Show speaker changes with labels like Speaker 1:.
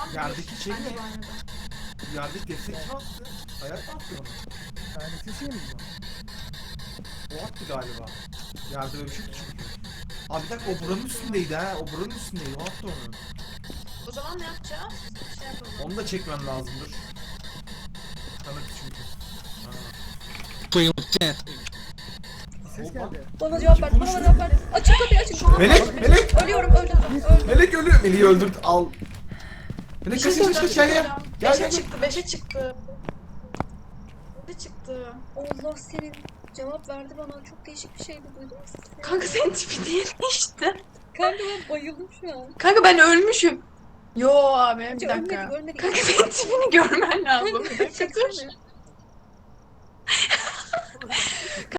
Speaker 1: Yerdeki şey ne? Yerdeki destek kim attı? Hayat mı attı onu?
Speaker 2: Yani sesi mi bu?
Speaker 1: O attı galiba. Yerde böyle bir şey çünkü. Abi bir dakika o buranın üstündeydi ha. O buranın üstündeydi. O attı onu.
Speaker 3: O zaman ne yapacağız? Şey yapalım.
Speaker 1: Onu da çekmem lazımdır. Kanıt çünkü.
Speaker 4: Playing with death.
Speaker 2: Ses geldi.
Speaker 5: Bana cevap ver, bana cevap ver. Açın kapıyı açın.
Speaker 1: Melek!
Speaker 5: Ölüyorum, öldüm.
Speaker 1: Melek ölüyor. Melek'i öldürt al. Melek kaç gel gel. Gel
Speaker 3: 5'e
Speaker 1: gel.
Speaker 3: çıktı, 5'e çıktı. 5'e çıktı.
Speaker 5: Allah senin cevap verdi bana. Çok değişik bir şeydi duydun mu?
Speaker 3: Kanka senin tipi değil işte.
Speaker 5: Kanka ben bayıldım şu an.
Speaker 3: Kanka ben ölmüşüm. Yo abi bir
Speaker 5: Bence
Speaker 3: dakika.
Speaker 5: ölmedik.
Speaker 3: Kanka senin tipini görmen lazım. Bir dakika dur.
Speaker 5: Çeksene.